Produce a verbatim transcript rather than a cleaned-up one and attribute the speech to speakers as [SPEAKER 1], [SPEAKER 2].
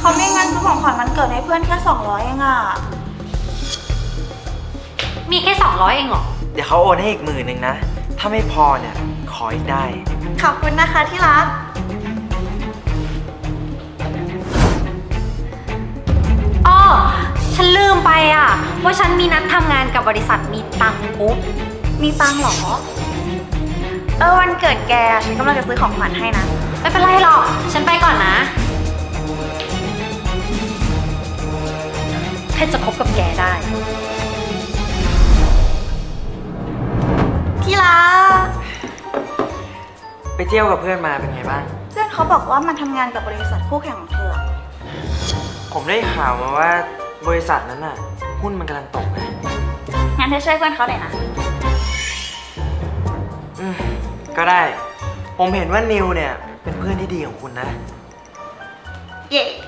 [SPEAKER 1] เขามีเงินซื้อของขวัญวันเกิดให้เพื่อนแค่สองร้อยเองอะ
[SPEAKER 2] มีแค่สองร้อยเองเหรอ
[SPEAKER 3] เดี๋ยวเขาโอนให้อีกหมื่นหนึ่งนะ ถ้าไม่พอเนี่ย ขออีกได้
[SPEAKER 1] ขอบคุณนะคะที่รัก
[SPEAKER 2] อ้อ ฉันลืมไปอ่ะ ว่าฉันมีนัดทำงานกับบริษัทมีตังค์กรุ๊ป
[SPEAKER 1] มีตังค์เหรอ เออวันเกิดแกฉันกำลังจะซื้อของขวัญให้นะ
[SPEAKER 2] ไม่เป็นไรหรอก ฉันไปก่อนนะแค่จะคบกับแกได้
[SPEAKER 1] ที่รัก
[SPEAKER 3] ไปเที่ยวกับเพื่อนมาเป็นไงบ้าง
[SPEAKER 1] เพื่อนเขาบอกว่ามันทำงานกับบริษัทคู่แข่งของเธอ
[SPEAKER 3] ผมได้ข่าวมาว่าบริษัทนั้นน่ะ หุ้นมันกำลังตกนะ
[SPEAKER 1] งั้นเธอช่วยเพื่อนเขาหน่อยนะ
[SPEAKER 3] อืม ก็ได้ ผมเห็นว่านิวเนี่ย เป็นเพื่อนที่ดีของคุณนะ
[SPEAKER 1] เย่